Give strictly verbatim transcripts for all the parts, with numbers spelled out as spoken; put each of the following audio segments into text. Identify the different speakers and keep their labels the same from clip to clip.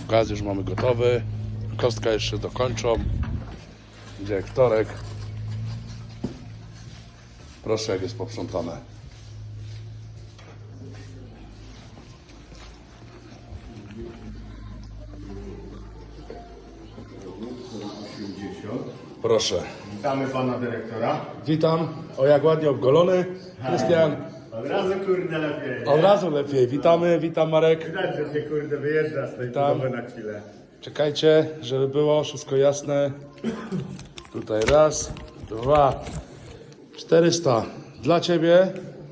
Speaker 1: Gaz już mamy gotowy. Kostka jeszcze dokończą. Dyrektorek. Proszę, jak jest posprzątane. Proszę.
Speaker 2: Witamy pana dyrektora.
Speaker 1: Witam. O, jak ładnie obgolony. Krystian.
Speaker 2: Od razu kurde lepiej.
Speaker 1: Od razu lepiej. Witamy, witam Marek.
Speaker 2: Widać, że się kurde wyjeżdża z tej
Speaker 1: Witam.
Speaker 2: budowy na chwilę.
Speaker 1: Czekajcie, żeby było wszystko jasne. Tutaj raz, dwa, czterysta dla Ciebie.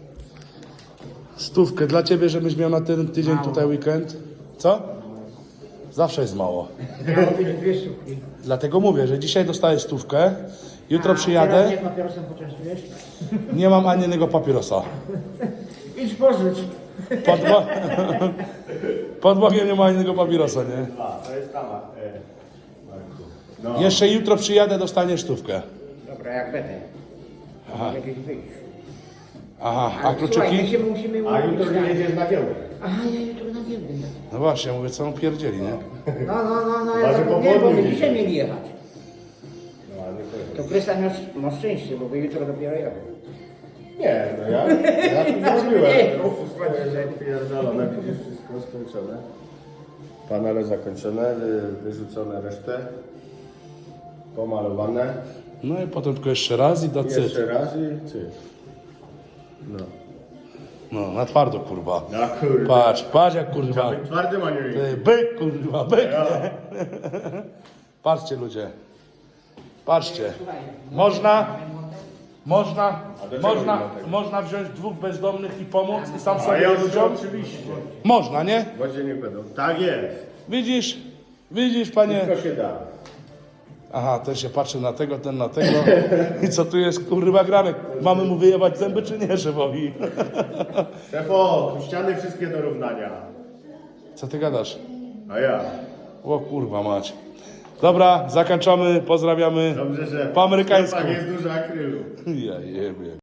Speaker 1: Stówkę dla Ciebie, żebyś miał na ten tydzień tutaj weekend. Co? Zawsze jest mało.
Speaker 3: Miało być dwie sztuki.
Speaker 1: Dlatego mówię, że dzisiaj dostaję stówkę. Jutro
Speaker 3: A
Speaker 1: przyjadę.
Speaker 3: teraz nie papierosem poczęstujesz?
Speaker 1: Nie mam ani jednego papierosa.
Speaker 3: Idź pożycz.
Speaker 1: Pod, bo... Pod Bogiem nie ma ani jednego papierosa, nie?
Speaker 2: A, to jest tama. E, Marku. No.
Speaker 1: Jeszcze jutro przyjadę, dostaniesz stówkę.
Speaker 3: Dobra, jak będę.
Speaker 1: Aha.
Speaker 3: Mogę gdzieś wyjść.
Speaker 1: Aha, a
Speaker 3: Ale słuchaj, my
Speaker 1: kluczyki?
Speaker 3: się musimy
Speaker 2: A
Speaker 3: umówić.
Speaker 2: jutro nie jedziesz na giełdę.
Speaker 3: Aha, ja jutro na giełdę.
Speaker 1: No właśnie, mówię, co on pierdzieli, nie?
Speaker 3: No, no, no, no, ja
Speaker 2: Chyba, że
Speaker 3: zapomniałem, bo my
Speaker 2: popołudnie
Speaker 3: dzisiaj mieli jechać.
Speaker 2: No, ale nie powiem.
Speaker 3: To Krystian ma, ma szczęście, bo wy jutro dopiero jadą.
Speaker 2: Nie, no ja, ja tu
Speaker 3: Nie,
Speaker 2: zrobiłem.
Speaker 3: no.
Speaker 2: Pierdolone, widzisz, wszystko skończone. Panele zakończone, wy, wyrzucone resztę. Pomalowane.
Speaker 1: No i potem tylko jeszcze raz i do cyt.
Speaker 2: Jeszcze raz i cyk. No.
Speaker 1: No, na twardo, kurwa.
Speaker 2: Na kurde.
Speaker 1: Patrz, patrz jak kurwa.
Speaker 2: Być twardym, a nie
Speaker 1: Ty, byk, kurwa, byk, nie? Patrzcie, ludzie. Patrzcie. Można, można,
Speaker 2: A do czego
Speaker 1: można,
Speaker 2: nie ma tego?
Speaker 1: można wziąć dwóch bezdomnych i pomóc i sam
Speaker 2: A
Speaker 1: sobie
Speaker 2: ja
Speaker 1: ludziom.
Speaker 2: oczywiście.
Speaker 1: Można, nie?
Speaker 2: Wodzie nie będą. Tak jest.
Speaker 1: Widzisz, widzisz, panie.
Speaker 2: Wszystko się da.
Speaker 1: Aha, ten się patrzy na tego, ten na tego. I co tu jest, kurwa, granek? Mamy mu wyjebać zęby, czy nie, szefowi?
Speaker 2: Szefo, tu ściany wszystkie do równania.
Speaker 1: Co ty gadasz?
Speaker 2: A ja.
Speaker 1: O kurwa mać. Dobra, zakończamy, pozdrawiamy
Speaker 2: Dobrze, że
Speaker 1: po amerykańsku.
Speaker 2: w sklepach jest dużo akrylu.
Speaker 1: Ja jebie.